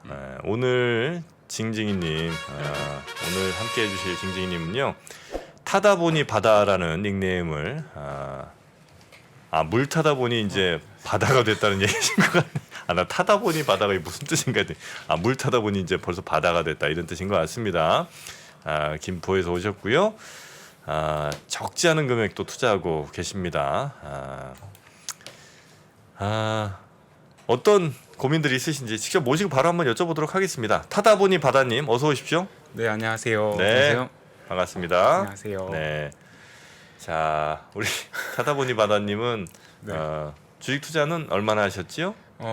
오늘 징징이님, 오늘 함께 해주실 징징이님은요, 타다 보니 바다라는 닉네임을 물 타다 보니 이제 바다가 됐다는 얘기신 것 같네. 나 타다 보니 바다가 무슨 뜻인가 했더니 물 타다 보니 이제 벌써 바다가 됐다 이런 뜻인 것 같습니다. 김포에서 오셨고요. 적지 않은 금액도 투자하고 계십니다. 어떤 고민들이 있으신지 직접 모시고 바로 한번 여쭤보도록 하겠습니다. 타다 보니 바다님 어서 오십시오. 네, 안녕하세요. 네, 안녕하세요. 반갑습니다. 안녕하세요. 네, 자 우리 타다 보니 바다님은 네. 주식 투자는 얼마나 하셨지요?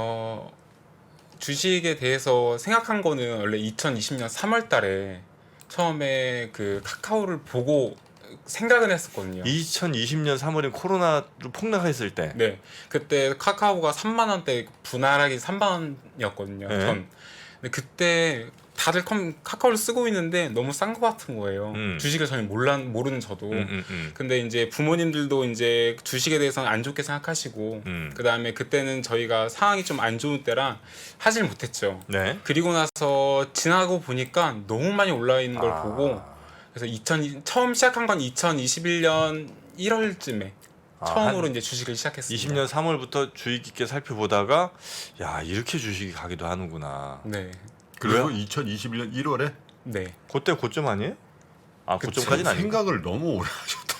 주식에 대해서 생각한 거는 원래 2020년 3월 달에 처음에 그 카카오를 보고 생각은 했었거든요. 2020년 3월에 코로나로 폭락했을 때. 네. 그때 카카오가 3만 원대 분할하기 3만 원이었거든요. 네. 근데 그때 다들 카카오를 쓰고 있는데 너무 싼 것 같은 거예요. 주식을 전혀 모르는 저도. 근데 이제 부모님들도 이제 주식에 대해서는 안 좋게 생각하시고, 그 다음에 그때는 저희가 상황이 좀 안 좋은 때라 하질 못했죠. 네. 그리고 나서 지나고 보니까 너무 많이 올라 있는 걸 보고, 그래서 처음 시작한 건 2021년 1월쯤에 처음으로 이제 주식을 시작했습니다. 20년 3월부터 주의 깊게 살펴보다가 야 이렇게 주식이 가기도 하는구나. 네. 그리고 왜요? 2021년 1월에 네. 그때 고점 아니에요? 고점까지는 아니고. 생각을 너무 오래 하셨다.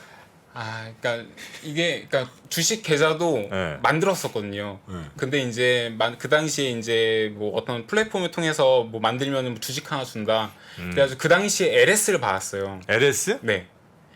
그러니까 그러니까 주식 계좌도 네. 만들었었거든요. 네. 근데 이제 그 당시에 이제 뭐 어떤 플랫폼을 통해서 뭐 만들면 뭐 주식 하나 준다. 그래가지고 그 당시에 LS를 받았어요. LS? 네.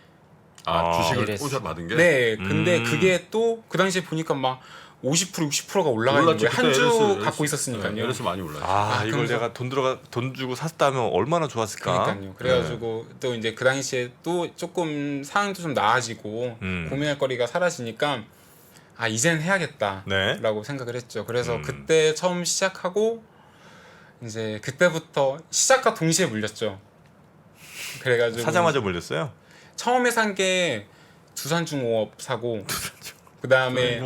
주식을 LS. 꽂아 받은 게? 네. 근데 그게 또 그 당시에 보니까 막 50% 60%가 올라가 있는 올랐지. 거예요. 한 주 LS 갖고 있었으니까요. 네, LS 많이 올랐지. 이걸 그러면서- 내가 돈 주고 샀다면 얼마나 좋았을까? 그러니까요. 그래가지고 또 이제 그 당시에 또 조금 상황도 좀 나아지고 고민할 거리가 사라지니까 이젠 해야겠다라고 네. 생각을 했죠. 그래서 그때 처음 시작하고 이제 그때부터 시작과 동시에 물렸죠. 그래가지고 사자마자 물렸어요. 처음에 산 게 두산중공업 사고 그 다음에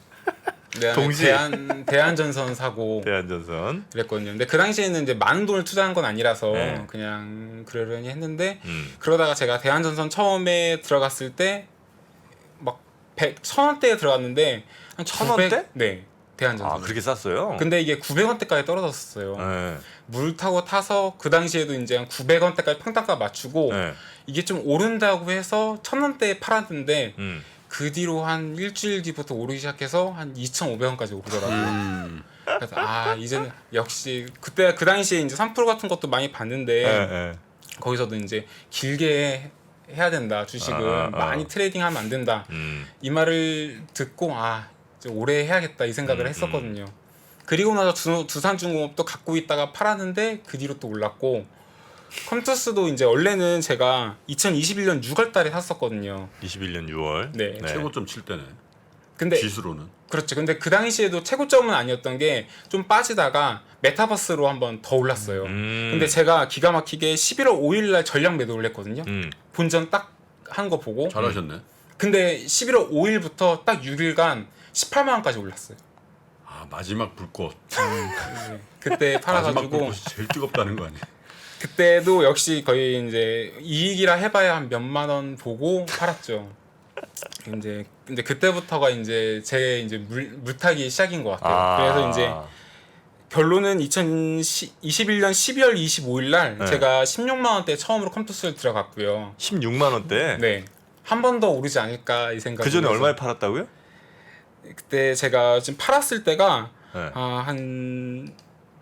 동시에. 대한전선 사고 대한전선. 그랬거든요. 근데 그 당시에는 이제 많은 돈을 투자한 건 아니라서 네. 그냥 그러려니 했는데 그러다가 그러다가 제가 대한전선 처음에 들어갔을 때 막 1,000원대에 들어갔는데 한 1,000원대? 네, 대한전선. 그렇게 쌌어요? 근데 이게 900원대까지 떨어졌어요. 네. 물 타고 타서 그 당시에도 이제 한 900원대까지 평단가 맞추고 네. 이게 좀 오른다고 해서 1,000원대에 팔았는데 그 뒤로 한 일주일 뒤부터 오르기 시작해서 한 2,500원까지 오르더라고요. 그래서 이제는 역시 그때 그 당시에 이제 3% 같은 것도 많이 봤는데 네. 거기서도 이제 길게 해야 된다. 주식을 많이 트레이딩하면 안 된다. 이 말을 듣고 이제 오래 해야겠다 이 생각을 했었거든요. 그리고 나서 두산중공업도 갖고 있다가 팔았는데 그 뒤로 또 올랐고 컴투스도 이제 원래는 제가 2021년 6월달에 샀었거든요. 21년 6월. 네. 최고점 칠 때네. 근데 지수로는. 그렇죠. 근데 그 당시에도 최고점은 아니었던 게 좀 빠지다가 메타버스로 한번 더 올랐어요. 근데 제가 기가 막히게 11월 5일날 전량 매도를 했거든요. 본전 딱 한 거 보고. 잘하셨네. 근데 11월 5일부터 딱 6일간 18만 원까지 올랐어요. 마지막 불꽃. 네. 그때 마지막 팔아가지고 불꽃이 제일 뜨겁다는 거 아니야? 그때도 역시 거의 이제 이익이라 해봐야 한 몇만 원 보고 팔았죠. 이제 근데 그때부터가 이제 제 이제 물타기 시작인 것 같아요. 그래서 이제 결론은 2021년 12월 25일 날 네. 제가 16만 원대 처음으로 컴투스를 들어갔고요. 16만 원대. 네. 한 번 더 오르지 않을까 이 생각. 그 전에 얼마에 팔았다고요? 그때 제가 지금 팔았을 때가 네. 한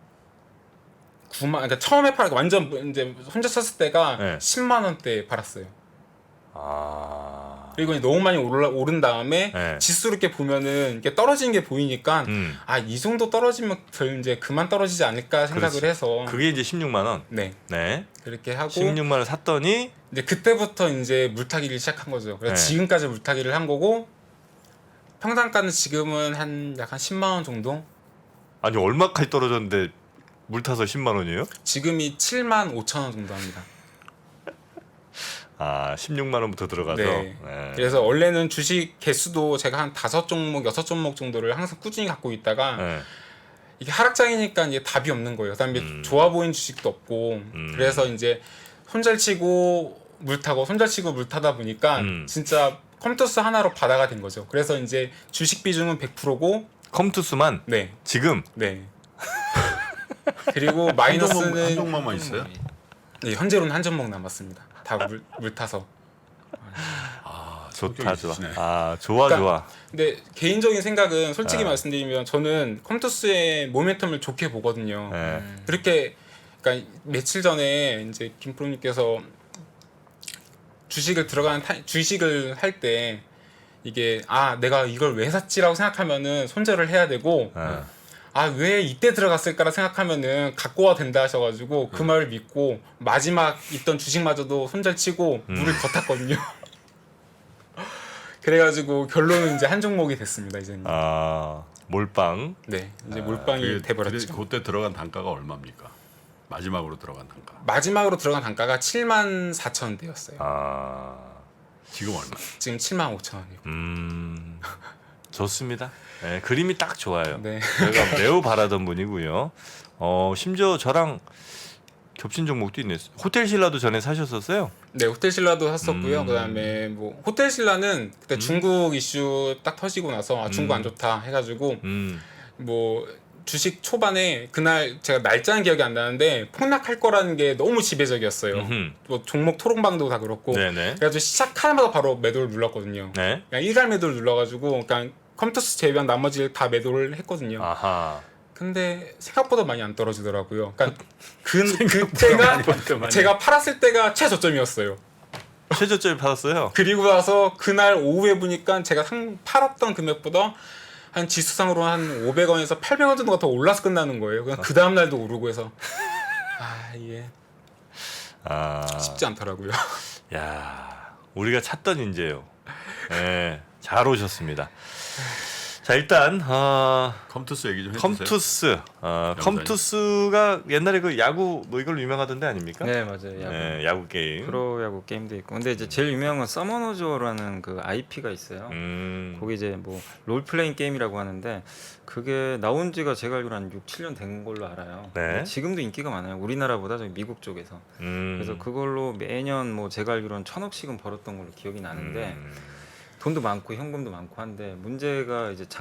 9만, 그러니까 처음에 완전 이제 혼자 썼을 때가 네. 10만 원대 팔았어요. 그리고 너무 많이 오른 다음에 네. 지수 이렇게 보면은 이게 떨어지는 게 보이니까 이 정도 떨어지면 이제 그만 떨어지지 않을까 생각을 그렇지. 해서 그게 이제 16만 원. 네 네. 그렇게 하고 16만 원 샀더니 이제 그때부터 이제 물타기를 시작한 거죠. 그래서 네. 지금까지 물타기를 한 거고 평단가는 지금은 한 약 한 10만 원 정도. 아니 얼마까지 떨어졌는데 물 타서 10만 원이에요? 지금이 7만 5천 원 정도 합니다. 16만 원부터 들어가서. 네. 네. 그래서 원래는 주식 개수도 제가 한 5종목, 6종목 정도를 항상 꾸준히 갖고 있다가 네. 이게 하락장이니까 이제 답이 없는 거예요. 그다음에 좋아 보이는 주식도 없고 그래서 이제 손절치고 물 타고 손절치고 물 타다 보니까 진짜 컴투스 하나로 바다가 된 거죠. 그래서 이제 주식 비중은 100%고 컴투스만 네. 지금 네. 그리고 마이너스는 한 종목만 있어요? 네, 현재로는 한 종목 남았습니다. 다 물 타서. 아, 좋다 성격이 좋아. 있으시네. 아 좋아 그러니까 좋아. 근데 개인적인 생각은 솔직히 아. 말씀드리면 저는 컴투스의 모멘텀을 좋게 보거든요. 네. 그렇게 그러니까 며칠 전에 이제 김프로님께서 주식을 할 때 이게 내가 이걸 왜 샀지라고 생각하면은 손절을 해야 되고 네. 왜 이때 들어갔을까라 생각하면은 갖고 와 된다 하셔가지고 그 말을 믿고 마지막 있던 주식마저도 손절치고 물을 더 탔거든요. 그래가지고 결론은 이제 한 종목이 됐습니다. 이제는. 아 몰빵. 네, 이제 몰빵이 돼버렸죠. 그때 들어간 단가가 얼마입니까? 마지막으로 들어간 단가. 마지막으로 들어간 단가가 74,000원대였어요. 아 지금 얼마? 지금 75,000원이고. 좋습니다. 네, 그림이 딱 좋아요. 네. 제가 매우 바라던 분이고요. 심지어 저랑 겹친 종목도 있네. 호텔 신라도 전에 사셨었어요? 네, 호텔 신라도 샀었고요. 그다음에 뭐 호텔 신라는 그때 중국 이슈 딱 터지고 나서 중국 안 좋다 해가지고 뭐 주식 초반에 그날 제가 날짜는 기억이 안 나는데 폭락할 거라는 게 너무 지배적이었어요. 뭐 종목 토론방도 다 그렇고. 네네. 그래가지고 시작하자마자 바로 매도를 눌렀거든요. 네. 그냥 일괄 매도를 눌러가지고 그냥 컴투스 제외한 나머지 다 매도를 했거든요. 아하. 근데 생각보다 많이 안 떨어지더라고요. 그러니까 그때가 제가 팔았을 때가 최저점이었어요. 최저점이 받았어요. 그리고 나서 그날 오후에 보니까 제가 팔았던 금액보다 한 지수상으로 한 500원에서 800원 정도가 더 올라서 끝나는 거예요. 그냥 그 다음 날도 오르고 해서 이게 쉽지 않더라고요. 야, 우리가 찾던 인재요. 네, 잘 오셨습니다. 자 일단 컴투스 얘기 좀 해주세요. 컴투스 컴투스가 옛날에 그 야구 뭐 이걸로 유명하던데 아닙니까? 네 맞아요. 야구. 네, 야구 게임. 프로야구 게임도 있고 근데 이제 제일 유명한 건 서머너즈라는 그 IP가 있어요. 거기 이제 뭐 롤플레잉 게임이라고 하는데 그게 나온 지가 제가 알기로 한 6, 7년 된 걸로 알아요. 네. 근데 지금도 인기가 많아요. 우리나라보다 저기 미국 쪽에서. 그래서 그걸로 매년 뭐 제가 알기로는 1,000억씩은 벌었던 걸로 기억이 나는데 돈도 많고 현금도 많고 한데 문제가 이제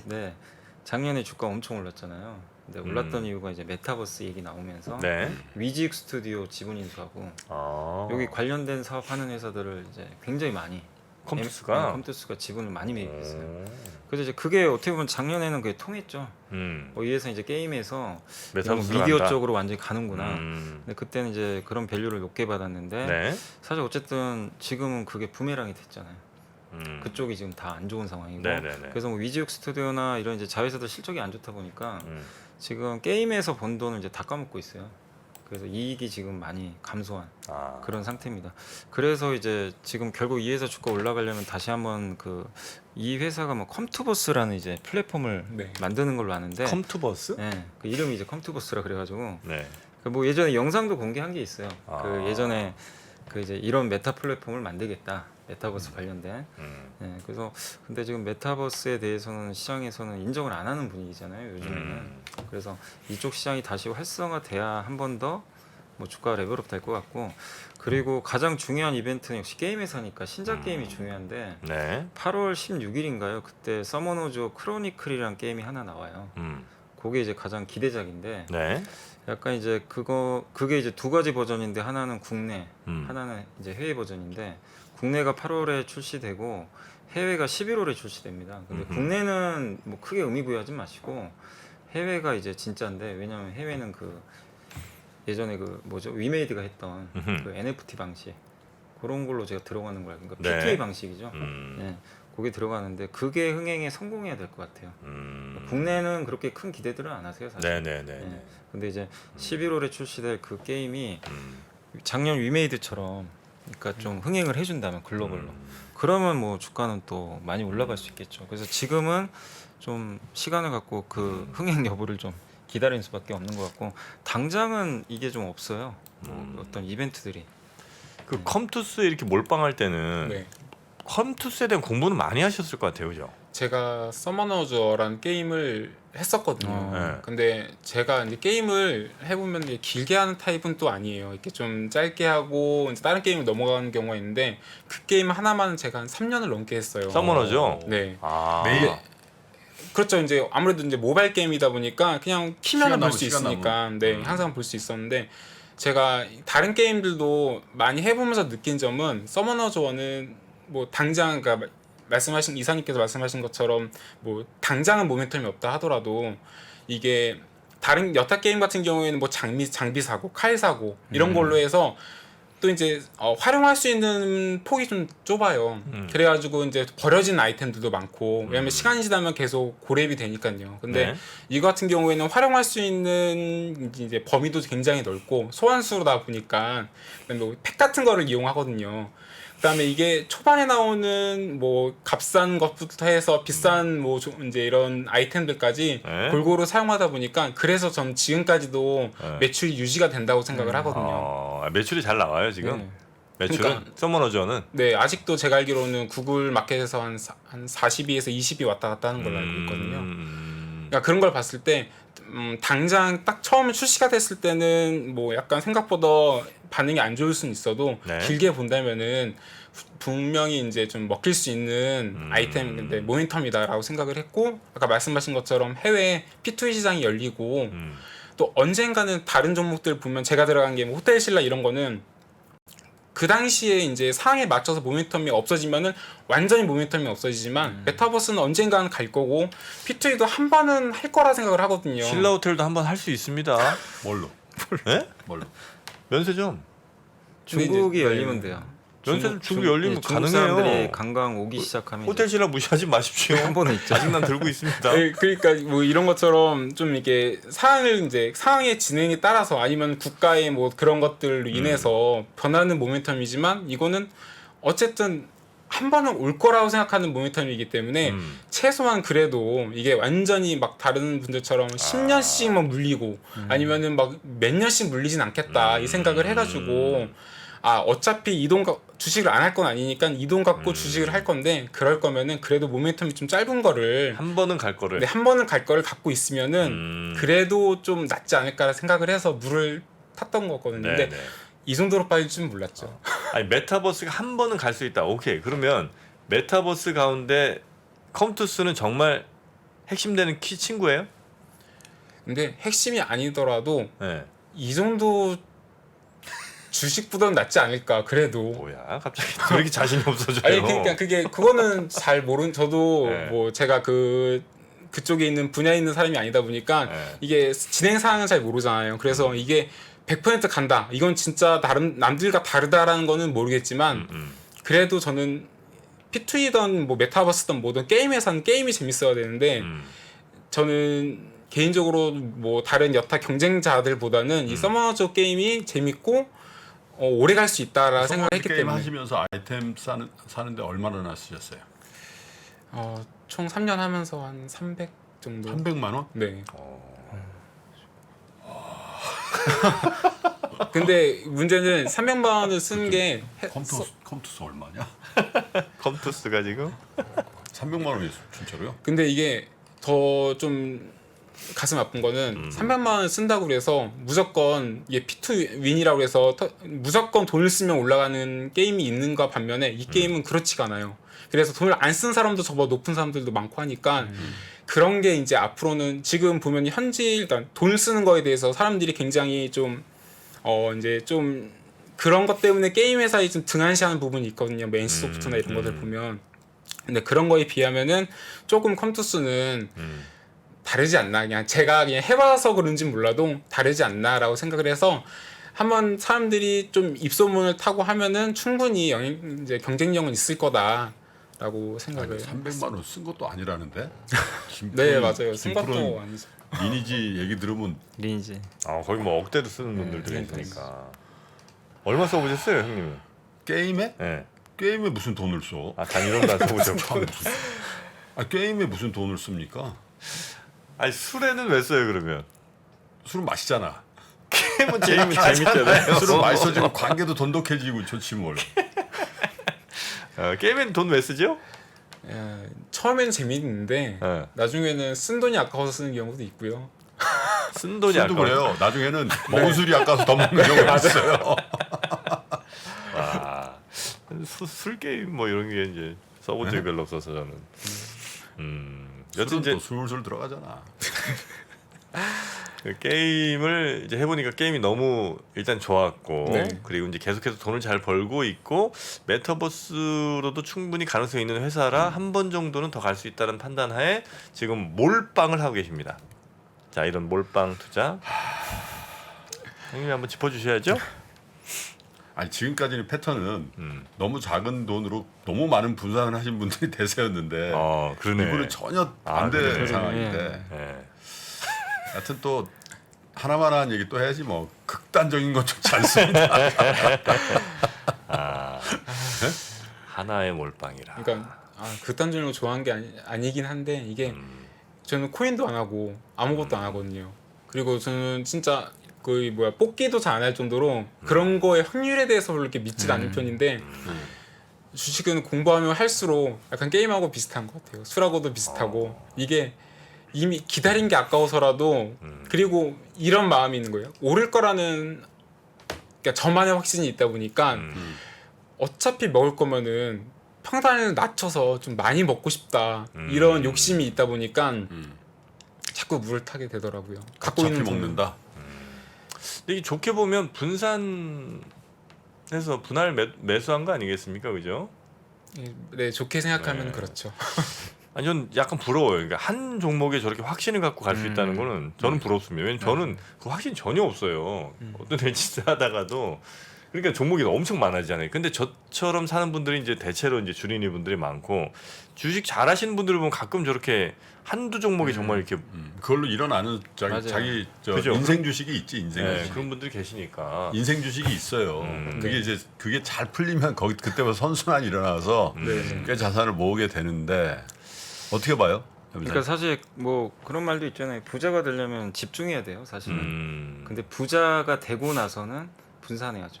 작년에 주가 엄청 올랐잖아요. 근데 올랐던 이유가 이제 메타버스 얘기 나오면서 네. 위직 스튜디오 지분 인수하고 여기 관련된 사업 하는 회사들을 이제 굉장히 많이 컴투스가 지분을 많이 매입했어요. 그래서 이제 그게 어떻게 보면 작년에는 그게 통했죠. 여기에서 이제 게임에서 메타버스로 미디어 간다. 쪽으로 완전히 가는구나. 근데 그때는 이제 그런 밸류를 높게 받았는데 네. 사실 어쨌든 지금은 그게 부메랑이 됐잖아요. 그쪽이 지금 다 안 좋은 상황이고 네네네. 그래서 뭐 위지육 스튜디오나 이런 이제 자회사들 실적이 안 좋다 보니까 지금 게임에서 번 돈을 이제 다 까먹고 있어요. 그래서 이익이 지금 많이 감소한 그런 상태입니다. 그래서 이제 지금 결국 이 회사 주가 올라가려면 다시 한번 이 회사가 뭐 컴투버스라는 이제 플랫폼을 네. 만드는 걸로 아는데 컴투버스? 네, 그 이름이 이제 컴투버스라 그래가지고 네. 뭐 예전에 영상도 공개한 게 있어요. 아. 그 예전에 이제 이런 메타 플랫폼을 만들겠다. 메타버스 관련된. 네, 그래서 근데 지금 메타버스에 대해서는 시장에서는 인정을 안 하는 분위기잖아요. 요즘에는. 그래서 이쪽 시장이 다시 활성화돼야 한 번 더 뭐 주가 레벨업 될 것 같고 그리고 가장 중요한 이벤트는 역시 게임 회사니까 신작 게임이 중요한데 네. 8월 16일인가요? 그때 서머너즈 크로니클이라는 게임이 하나 나와요. 그게 이제 가장 기대작인데 네. 약간 이제 그게 이제 두 가지 버전인데 하나는 국내, 하나는 이제 해외 버전인데 국내가 8월에 출시되고 해외가 11월에 출시됩니다. 근데 국내는 뭐 크게 의미 부여하지 마시고 해외가 이제 진짜인데 왜냐면 해외는 예전에 위메이드가 했던 그 NFT 방식 그런 걸로 제가 들어가는 거라 그러니까 네. PTA 방식이죠. 네. 그게 들어가는데 그게 흥행에 성공해야 될 것 같아요. 국내는 그렇게 큰 기대들은 안 하세요, 사실. 네네네. 네. 근데 이제 11월에 출시될 그 게임이 작년 위메이드처럼 그러니까 좀 흥행을 해준다면 글로벌로 그러면 뭐 주가는 또 많이 올라갈 수 있겠죠. 그래서 지금은 좀 시간을 갖고 그 흥행 여부를 좀 기다리는 수밖에 없는 것 같고 당장은 이게 좀 없어요. 뭐 어떤 이벤트들이. 그 컴투스에 이렇게 몰빵할 때는 네. 컴투스에 대한 공부는 많이 하셨을 것 같아요, 그죠? 제가 서머너즈라는 게임을 했었거든요. 네. 근데 제가 이제 게임을 해보면 이제 길게 하는 타입은 또 아니에요. 이렇게 좀 짧게 하고 이제 다른 게임을 넘어가는 경우가 있는데 그 게임 하나만 제가 한 3년을 넘게 했어요. 서머너죠? 네. 아. 매일 그렇죠. 이제 아무래도 이제 모바일 게임이다 보니까 그냥 키면 시간 볼 수 남은, 시간 있으니까 네 항상 볼 수 있었는데 제가 다른 게임들도 많이 해보면서 느낀 점은 서머너즈 1은 뭐 당장 그러니까 말씀하신 이사님께서 말씀하신 것처럼 뭐 당장은 모멘텀이 없다 하더라도 이게 다른 여타 게임 같은 경우에는 뭐 장비 사고 칼 사고 이런 걸로 해서 또 이제 활용할 수 있는 폭이 좀 좁아요. 그래가지고 이제 버려진 아이템들도 많고 왜냐면 시간이 지나면 계속 고렙이 되니까요. 근데 네. 이거 같은 경우에는 활용할 수 있는 이제 범위도 굉장히 넓고 소환수로다 보니까 그다음에 뭐팩 같은 거를 이용하거든요. 그다음에 이게 초반에 나오는 뭐 값싼 것부터 해서 비싼 뭐 이제 이런 아이템들까지 네. 골고루 사용하다 보니까 그래서 전 지금까지도 네. 매출이 유지가 된다고 생각을 하거든요. 매출이 잘 나와요 지금. 네. 매출은 그러니까- 서머너즈는 네, 아직도 제가 알기로는 구글 마켓에서 한 42에서 20이 왔다 갔다 하는 걸로 알고 있거든요. 그러니까 그런 걸 봤을 때 당장 딱 처음에 출시가 됐을 때는 뭐 약간 생각보다 반응이 안 좋을 수는 있어도 네. 길게 본다면은 분명히 이제 좀 먹힐 수 있는 아이템 근데 모멘텀이다라고 생각을 했고 아까 말씀하신 것처럼 해외 P2E 시장이 열리고 또 언젠가는 다른 종목들 보면 제가 들어간 게 뭐 호텔 신라 이런 거는 그 당시에 이제 상황에 맞춰서 모멘텀이 없어지면은 완전히 모멘텀이 없어지지만 메타버스는 언젠가는 갈 거고 P2E도 한 번은 할 거라 생각을 하거든요. 신라 호텔도 한번 할 수 있습니다. 뭘로? 네? 뭘로? 면세점. 근데 중국이 이제- 열리면 돼요. 면세점 중국 열리면 중국 사람들이 가능해요. 관광 오기 시작하면 호텔 신라 무시하지 마십시오. 한 번은 있죠. 아직 난 들고 있습니다. 네, 그러니까 뭐 이런 것처럼 좀 이게 상황의 진행에 따라서 아니면 국가의 뭐 그런 것들로 인해서 변하는 모멘텀이지만 이거는 어쨌든 한 번은 올 거라고 생각하는 모멘텀이기 때문에 최소한 그래도 이게 완전히 막 다른 분들처럼 10년씩 막 물리고 아니면은 막 몇 년씩 물리진 않겠다 이 생각을 해가지고 어차피 주식을 안 할 건 아니니까 이동 갖고 주식을 할 건데 그럴 거면은 그래도 모멘텀이 좀 짧은 거를 한 번은 갈 거를. 네, 한 번은 갈 거를 갖고 있으면은 그래도 좀 낫지 않을까 생각을 해서 물을 탔던 거거든요. 근데 네. 이 정도로 빠질 줄 몰랐죠. 아니 메타버스가 한 번은 갈 수 있다. 오케이. 그러면 메타버스 가운데 컴투스는 정말 핵심되는 키 친구예요? 근데 핵심이 아니더라도 네. 이 정도 주식보다는 낫지 않을까 그래도. 뭐야? 갑자기 왜 이렇게 자신이 없어져요? 아니 그러니까 그거는 잘 모르는 저도 네. 뭐 제가 그쪽에 있는 분야에 있는 사람이 아니다 보니까 네. 이게 진행 사항은 잘 모르잖아요. 그래서 이게 100% 간다. 이건 진짜 남들과 다르다라는 거는 모르겠지만 그래도 저는 P2E든 뭐 메타버스든 뭐든 게임에서는 게임이 재밌어야 되는데 저는 개인적으로 뭐 다른 여타 경쟁자들보다는 이 서머너즈 게임이 재밌고 오래 갈 수 있다라 생각했기 게임 때문에 하시면서 아이템 사는데 얼마나 쓰셨어요? 총 3년 하면서 한 300 정도. 300만 원? 네. 근데 문제는 300만 원을 쓰는 게 컴투스 얼마냐? 컴투스가 지금 300만 원이 진짜로요? 근데 이게 더 좀 가슴 아픈 거는 300만 원을 쓴다고 그래서 무조건 이게 P2 윈이라고 해서 무조건 돈을 쓰면 올라가는 게임이 있는가 반면에 이 게임은 그렇지가 않아요. 그래서 돈을 안 쓴 사람도 저보다 높은 사람들도 많고 하니까 그런 게 이제 앞으로는 지금 보면 현지 일단 돈을 쓰는 거에 대해서 사람들이 굉장히 좀 이제 좀 그런 것 때문에 게임 회사에 좀 등한시하는 부분이 있거든요. 뭐 NC소프트나 이런 것들 보면. 근데 그런 거에 비하면은 조금 컴투스는 다르지 않나. 그냥 제가 그냥 해봐서 그런지 몰라도 다르지 않나라고 생각을 해서 한번 사람들이 좀 입소문을 타고 하면은 충분히 이제 경쟁력은 있을 거다라고 생각을. 300만 원 쓴 것도 아니라는데? 네 맞아요. 쓴 것도 아니죠. 리니지 얘기 들으면 리니지. 거기 뭐 억대도 쓰는 분들도 있으니까. 얼마 써보셨어요, 형님은? 게임에? 네. 게임에 무슨 돈을 써? 단위로는 안 써보셨고. 게임에 무슨 돈을 씁니까? 아니 술에는 왜 써요 그러면? 술은 마시잖아. 게임은 재밌잖아요. 술은 맛있어지고 관계도 돈독해지고 좋지 뭘. 게임에는 돈 왜 쓰죠? 처음에는 재미있는데 예. 나중에는 쓴 돈이 아까워서 쓰는 경우도 있고요. 쓴 돈이 술도 아까워. 그래요. 나중에는 먹은 술이 아까워서 더 먹는 경우가 있어요. 와, 술 게임 뭐 이런 게 이제 써본 적이 별로 없어서 저는. 여튼 술은 이제 또 술술 들어가잖아. 그 게임을 이제 해보니까 게임이 너무 일단 좋았고 네. 그리고 이제 계속해서 돈을 잘 벌고 있고 메타버스로도 충분히 가능성이 있는 회사라 한 번 정도는 더 갈 수 있다는 판단하에 지금 몰빵을 하고 계십니다. 자, 이런 몰빵 투자 형님이 한번 짚어주셔야죠. 아니 지금까지는 패턴은 너무 작은 돈으로 너무 많은 분산을 하신 분들이 대세였는데 그러네. 이분은 전혀 아, 반대 그러네. 상황인데 예. 하여튼 또 하나만한 얘기 또 해야지 뭐 극단적인 건 좋지 않습니다. 하나의 몰빵이라. 그러니까 극단적으로 좋아한 게 아니긴 한데 이게 저는 코인도 안 하고 아무것도 안 하거든요. 그리고 저는 진짜 그 뽑기도 잘 안 할 정도로 그런 거의 확률에 대해서 별로 이렇게 믿지 않는 편인데 주식은 공부하면 할수록 약간 게임하고 비슷한 것 같아요. 술하고도 비슷하고 이게 이미 기다린 게 아까워서라도 그리고 이런 마음이 있는 거예요. 오를 거라는 그러니까 저만의 확신이 있다 보니까 어차피 먹을 거면은 평단을 낮춰서 좀 많이 먹고 싶다 이런 욕심이 있다 보니까 자꾸 물을 타게 되더라고요. 갖고 어차피 있는 먹는다. 근데 이 좋게 보면 분산해서 분할 매수한 거 아니겠습니까, 그죠? 네, 좋게 생각하면 네. 그렇죠. 아니 전 약간 부러워요. 그러니까 한 종목에 저렇게 확신을 갖고 갈 수 있다는 거는 저는 부럽습니다. 왜냐면 저는 그 확신 전혀 없어요. 어떤 애 진짜 하다가도 그러니까 종목이 엄청 많아지잖아요. 근데 저처럼 사는 분들이 이제 대체로 이제 주린이 분들이 많고 주식 잘하시는 분들을 보면 가끔 저렇게 한두 종목이 정말 이렇게 그걸로 일어나는 맞아요. 자기 그죠? 인생 주식이 있지 인생 네, 주식. 그런 분들이 계시니까. 인생 주식이 있어요. 그게 네. 이제 그게 잘 풀리면 거기 그때부터 선순환이 일어나서 네. 꽤 자산을 모으게 되는데 어떻게 봐요? 그러니까 사실 뭐 그런 말도 있잖아요. 부자가 되려면 집중해야 돼요, 사실은. 근데 부자가 되고 나서는 분산해야죠.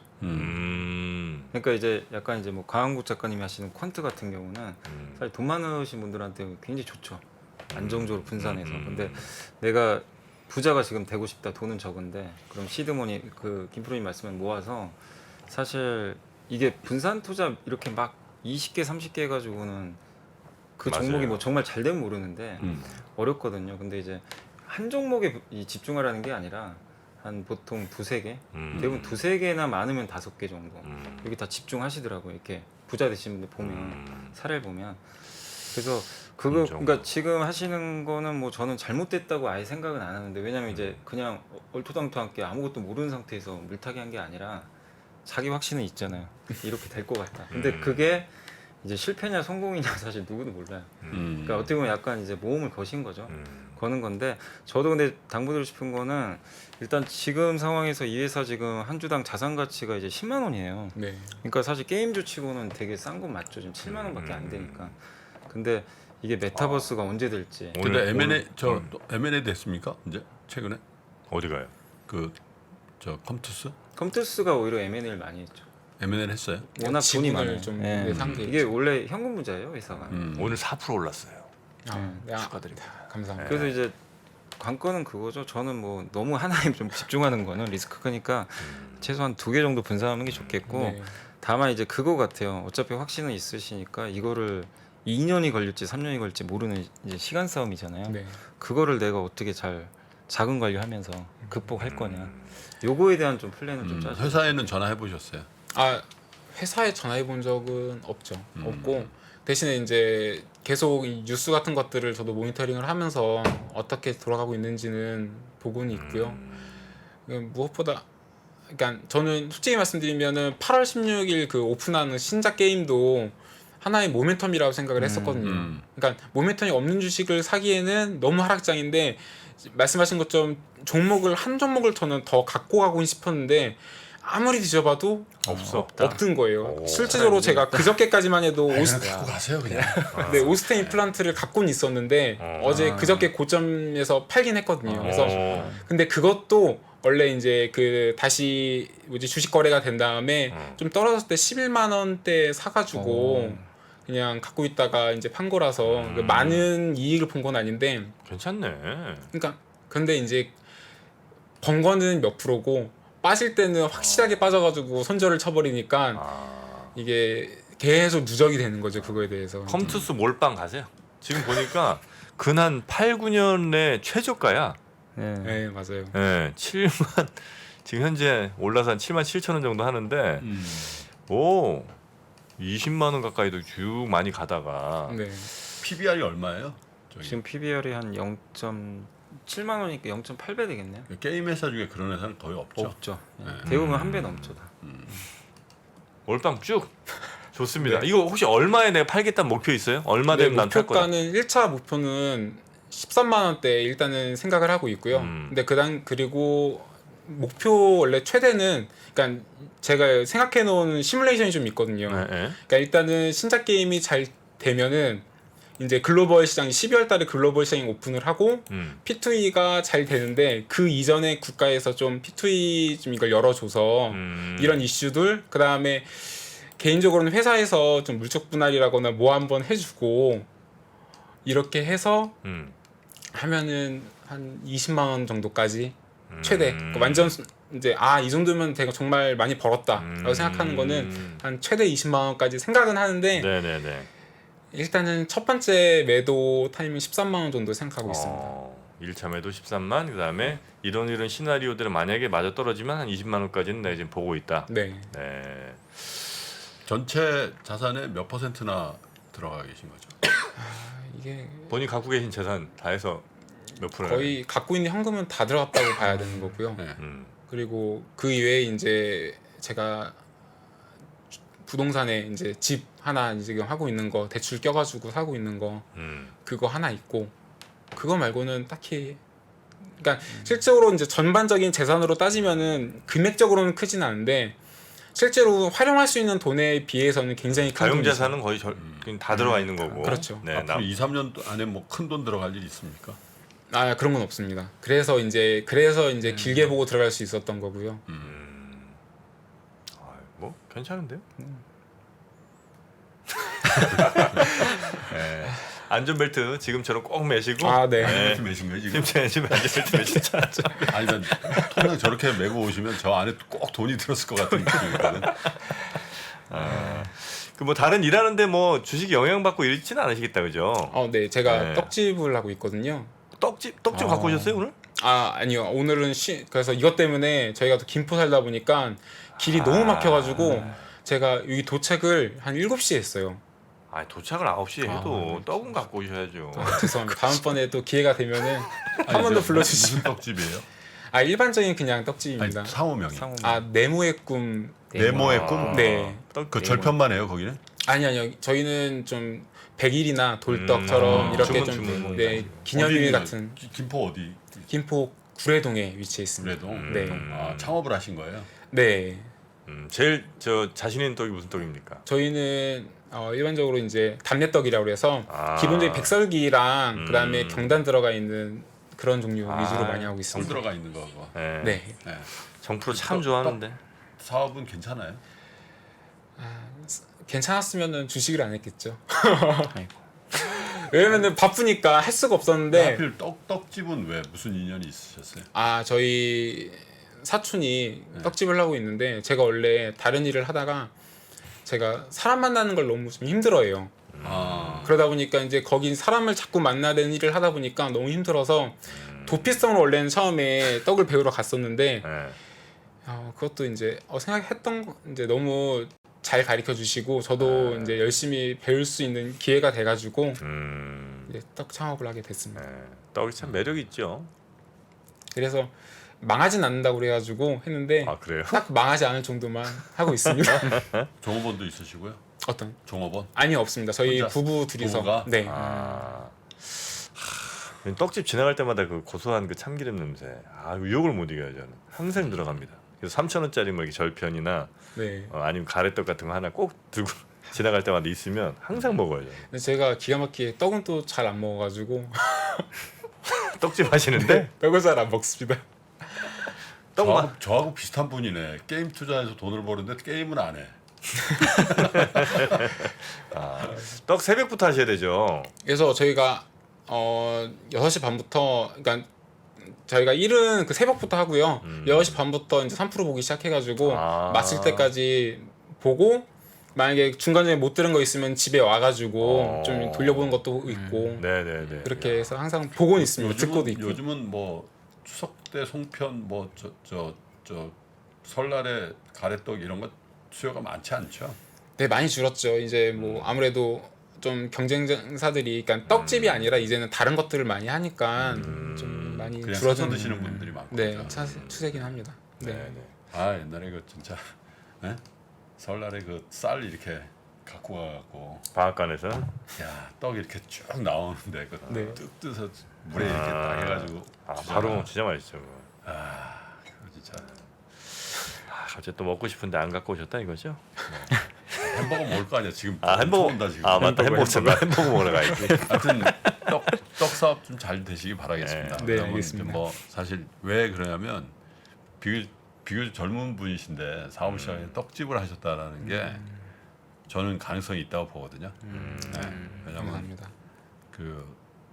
그러니까 이제 약간 이제 뭐 강한국 작가님이 하시는 퀀트 같은 경우는 사실 돈 많으신 분들한테 굉장히 좋죠. 안정적으로 분산해서. 근데 내가 부자가 지금 되고 싶다. 돈은 적은데 그럼 시드머니 그 김프로님 말씀을 모아서 사실 이게 분산 투자 이렇게 막 20개 30개 해가지고는 그 맞아요. 종목이 뭐 정말 잘 되면 모르는데 어렵거든요. 근데 이제 한 종목에 집중하라는 게 아니라 한 보통 두세 개, 대부분 두세 개나 많으면 5개 정도 여기 다 집중하시더라고요. 이렇게 부자 되신 분들 보면 사례를 보면 그래서 그거 그러니까 지금 하시는 거는 뭐 저는 잘못됐다고 아예 생각은 안 하는데 왜냐면 이제 그냥 얼토당토하게 아무것도 모르는 상태에서 물타기 한 게 아니라 자기 확신은 있잖아요. 이렇게 될 것 같다. 근데 그게 이제 실패냐 성공이냐 사실 누구도 몰라요. 그러니까 어떻게 보면 약간 이제 모험을 거신 거죠. 거는 건데 저도 근데 당부드리고 싶은 거는 일단 지금 상황에서 이 회사 지금 한 주당 자산 가치가 이제 10만 원이에요. 네. 그러니까 사실 게임주 치고는 되게 싼 건 맞죠. 지금 7만 원밖에 안 되니까. 근데 이게 메타버스가 언제 될지. 근데 M&A M&A 됐습니까? 이제 최근에 어디 가요? 저 컴투스 컴투스가 오히려 M&A를 많이 했죠. M&A 했어요? 워낙 돈이 지분을 많아요. 좀 예. 상계 이게 원래 현금 부자예요 회사가. 오늘 4% 올랐어요. 축하드립니다. 감사합니다. 그래서 이제 관건은 그거죠. 저는 뭐 너무 하나에 좀 집중하는 거는 리스크 크니까 최소한 2개 정도 분산하는 게 좋겠고 네. 다만 이제 그거 같아요. 어차피 확신은 있으시니까 이거를 2년이 걸릴지 3년이 걸릴지 모르는 이제 시간 싸움이잖아요. 네. 그거를 내가 어떻게 잘 자금 관리하면서 극복할 거냐. 요거에 대한 좀 플랜을 좀 짜죠. 회사에는 전화해 보셨어요? 회사에 전화해 본 적은 없죠. 없고 대신에 이제 계속 이 뉴스 같은 것들을 저도 모니터링을 하면서 어떻게 돌아가고 있는지는 보고는 있고요. 무엇보다 그러니까 저는 솔직히 말씀드리면은 8월 16일 그 오픈하는 신작 게임도 하나의 모멘텀이라고 생각을 했었거든요. 그러니까 모멘텀이 없는 주식을 사기에는 너무 하락장인데 말씀하신 것처럼 한 종목을 저는 더 갖고 가고 싶었는데 아무리 뒤져봐도 없던 거예요. 실제로 제가 그저께까지만 해도 갖고 가세요 그냥. 네, 오스테인 임플란트를 갖고는 있었는데 어제 그저께 고점에서 팔긴 했거든요. 그래서 근데 그것도 원래 이제 그 다시 주식 거래가 된 다음에 좀 떨어졌을 때 11만 원대 사가지고 그냥 갖고 있다가 이제 판 거라서 그 많은 이익을 본 건 아닌데 괜찮네. 그러니까 근데 이제 번 거는 몇 프로고 빠질 때는 확실하게 빠져가지고 손절을 쳐버리니까 아, 이게 계속 누적이 되는 거죠 그거에 대해서. 컴투스 몰빵 가세요. 지금 보니까 근한 8, 9년의 최저가야. 네. 네 맞아요. 예, 7만 지금 현재 올라서 한 7만 7천 원 정도 하는데 오 20만 원 가까이도 쭉 많이 가다가 네. PBR이 얼마예요? 저기 지금 PBR이 한 0.7만 원이니까 0.8배 되겠네요. 게임 회사 중에 그런 회사는 거의 없죠. 없죠. 예. 네. 대부분 한 배 넘죠 다. 몰빵 쭉 좋습니다. 이거 혹시 얼마에 내가 팔겠다는 목표 있어요? 얼마 되면 난 팔 거다. 목표가는 1차 목표는 13만 원대 일단은 생각을 하고 있고요. 근데 그리고 목표 원래 최대는 그러니까 제가 생각해 놓은 시뮬레이션이 좀 있거든요. 네, 네. 그러니까 일단은 신작 게임이 잘 되면은 이제 글로벌 시장 12월 달에 글로벌 시장이 오픈을 하고 P2E가 잘 되는데 그 이전에 국가에서 좀 P2E 좀 이걸 열어줘서 이런 이슈들 그다음에 개인적으로는 회사에서 좀 물적 분할이라거나 뭐 한번 해주고 이렇게 해서 하면은 한 20만 원 정도까지 최대 그러니까 완전 이제 이 정도면 내가 정말 많이 벌었다라고 생각하는 거는 한 최대 20만 원까지 생각은 하는데 네네네. 일단은 첫 번째 매도 타임은 13만 원 정도 생각하고 있습니다. 1차 매도 13만 그다음에 이런 시나리오들은 만약에 맞아 떨어지면 한 20만 원까지는 내가 지금 보고 있다. 네. 네. 전체 자산의 몇 %나 들어가 계신 거죠? 이게 본인 갖고 계신 재산 다 해서 몇 프로예요? 거의 갖고 있는 현금은 다 들어갔다고 봐야 되는 거고요. 네. 그리고 그 이외에 이제 제가 부동산에 이제 집 하나 이제 지금 하고 있는 거 대출 껴가지고 사고 있는 거 그거 하나 있고 그거 말고는 딱히 그러니까 실제로 이제 전반적인 재산으로 따지면은 금액적으로는 크진 않은데 실제로 활용할 수 있는 돈에 비해서는 굉장히 큰 가용 돈이죠. 자산은 거의 그냥 다 들어가 있는 거고. 그렇죠. 네, 앞으로 2, 3년 안에 뭐 큰 돈 들어갈 일 있습니까? 그런 건 없습니다. 그래서 이제 길게 보고 들어갈 수 있었던 거고요. 뭐 괜찮은데요? 네. 안전벨트 지금처럼 꼭 매시고. 네. 이렇게 매신 거예요 지금? 지금 안전벨트 매시죠. 아니 난 통장 저렇게 메고 오시면 저 안에 꼭 돈이 들었을 것 같은 느낌이거든. 그 뭐 다른 일하는데 뭐 주식 영향받고 이러지는 않으시겠다 그죠? 네, 제가 네. 떡집을 하고 있거든요. 떡집 갖고 오셨어요 오늘? 아니요. 오늘은 그래서 이것 때문에 저희가 또 김포 살다 보니까 길이 너무 막혀가지고 제가 여기 도착을 한 7시에 했어요. 도착을 9시에 해도 떡은 갖고 오셔야죠. 죄송합니다. 다음번에 또 기회가 되면은 한 아니, 번 더 저 불러주시면. 무슨 떡집이에요? 일반적인 그냥 아니 떡집입니다. 상호명이. 네모의 꿈. 네모의 꿈. 네. 그 절편만 해요 거기는? 아니요. 저희는 좀 백일이나 돌떡처럼 이렇게 주문. 네, 기념일 어디, 같은. 김포 어디? 김포 구례동에 위치해 있습니다. 그래도 네. 창업을 하신 거예요? 네. 제일 자신 있는 떡이 무슨 떡입니까? 저희는 일반적으로 이제 담례떡이라고 해서 기본적인 백설기랑 그다음에 경단 들어가 있는 그런 종류 위주로 많이 하고 성 있습니다. 들어가 있는 거고. 네. 네. 네. 정프로 참 좋아하는데. 사업은 괜찮아요? 괜찮았으면은 주식을 안 했겠죠. 아이고. 왜냐면은 바쁘니까 할 수가 없었는데 하필 떡집은 왜 무슨 인연이 있으셨어요? 저희 사촌이 떡집을 하고 있는데 제가 원래 다른 일을 하다가 제가 사람 만나는 걸 너무 좀 힘들어해요. 그러다 보니까 이제 거기 사람을 자꾸 만나야 되는 일을 하다 보니까 너무 힘들어서 도피성으로 원래는 처음에 떡을 배우러 갔었는데 네. 그것도 이제 생각했던 이제 너무 잘 가르쳐 주시고 저도 이제 열심히 배울 수 있는 기회가 돼가지고 이제 떡 창업을 하게 됐습니다. 네. 떡이 참 매력 있죠. 그래서 망하진 않는다고 그래가지고 했는데 그래요? 딱 망하지 않을 정도만 하고 있습니다. 종업원도 있으시고요? 어떤? 종업원? 아니요 없습니다. 저희 혼자? 부부 둘이서. 부부가? 네. 떡집 지나갈 때마다 그 고소한 그 참기름 냄새. 유혹을 못 이겨요 저는. 항상 들어갑니다. 그래서 3,000원짜리 뭐 이렇게 절편이나 네. 아니면 가래떡 같은 거 하나 꼭 들고 지나갈 때마다 있으면 항상 먹어요. 저는. 근데 제가 기가 막히게 떡은 또 잘 안 먹어가지고 떡집 하시는데 떡을 잘 안 먹습니다. 떡만 저하고 비슷한 분이네. 게임 투자해서 돈을 버는데 게임은 안 해. 떡 새벽부터 하셔야 되죠. 그래서 저희가 6시 반부터 그러니까 저희가 일은 그 새벽부터 하고요. 6시 반부터 이제 3% 보기 시작해가지고 아. 마칠 때까지 보고 만약에 중간중에 못 들은 거 있으면 집에 와가지고 좀 돌려보는 것도 있고 네네네. 그렇게 해서 항상 보고는 있습니다. 듣고도 있고. 요즘은 뭐 추석 때 송편 뭐 저 설날에 가래떡 이런 거 수요가 많지 않죠? 네, 많이 줄었죠. 이제 뭐 아무래도 좀 경쟁사들이 그러니까 떡집이 아니라 이제는 다른 것들을 많이 하니까 좀 많이 그냥 사서 줄어든 드시는 분들이 많고. 네, 추세긴 합니다. 네. 네네. 아 옛날에 그 진짜 예? 설날에 그 쌀 이렇게 갖고 가갖고 방앗간에서 야 떡 이렇게 쭉 나오는데 그 네. 뚝 떠서 물에 이렇게 딱 해가지고 바로 진짜 맛있죠. 그거. 그거 진짜 갑자기 또 먹고 싶은데 안 갖고 오셨다 이거죠? 햄버거 먹을 거 아니야 지금. 햄버거 온다 지금. 아 맞다 햄버거 먹으러 가야지. 하여튼 떡 사업 좀 잘 되시기 바라겠습니다. 네, 왜냐면 알겠습니다. 뭐 사실 왜 그러냐면 비교적 젊은 분이신데 사업 시장에 떡집을 하셨다라는 게 저는 가능성이 있다고 보거든요. 네. 왜냐면 감사합니다. 그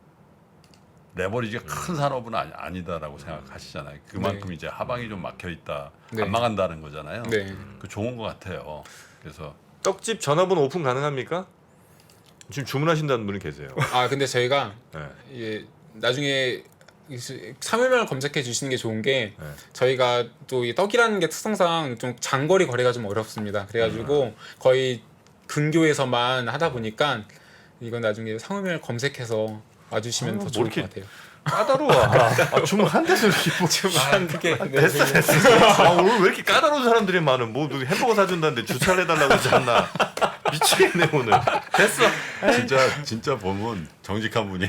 레버리지가 큰 산업은 아니다라고 생각하시잖아요. 그만큼 네. 이제 하방이 좀 막혀 있다, 네. 안 망한다는 거잖아요. 네. 그 좋은 것 같아요. 그래서 떡집 전화번호 오픈 가능합니까? 지금 주문하신다는 분이 계세요. 아 근데 저희가 네. 예, 나중에 3일만 검색해 주시는 게 좋은 게 네. 저희가 또 이 떡이라는 게 특성상 좀 장거리 거래가 좀 어렵습니다. 그래가지고 거의 근교에서만 하다 보니까 이건 나중에 상호명을 검색해서 와주시면 더 뭐 좋을 이렇게 것 같아요. 까다로워. 주문 한 대서 이렇게 뭐. 주문하게 됐어. 오늘 왜 이렇게 까다로운 사람들이 많아? 뭐 누구 햄버거 사준다는데 주차를 해달라고 하지 않나? 미치겠네 오늘. 됐어. 진짜 보면 정직한 분이야.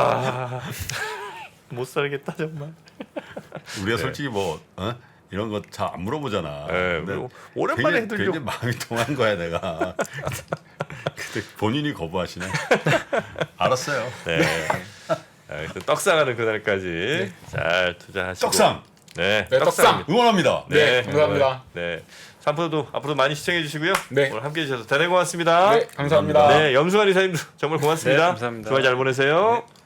못 살겠다 정말. 우리가 네. 솔직히 뭐 이런 거 잘 안 물어보잖아. 네, 근데 뭐 오랜만에 굉장히 해드리려고. 마음이 통한 거야 내가. 근데 본인이 거부하시네. 알았어요. 네. 떡 사가는 그날까지 잘 투자하시고. 떡상 네. 네, 떡상. 응원합니다. 네, 감사합니다. 네. 3%도 앞으로 많이 시청해 주시고요. 네. 오늘 함께 해주셔서 대단히 고맙습니다. 네, 감사합니다. 네, 염승환 이사님도 정말 고맙습니다. 네, 감사합니다. 주말 잘 보내세요. 네.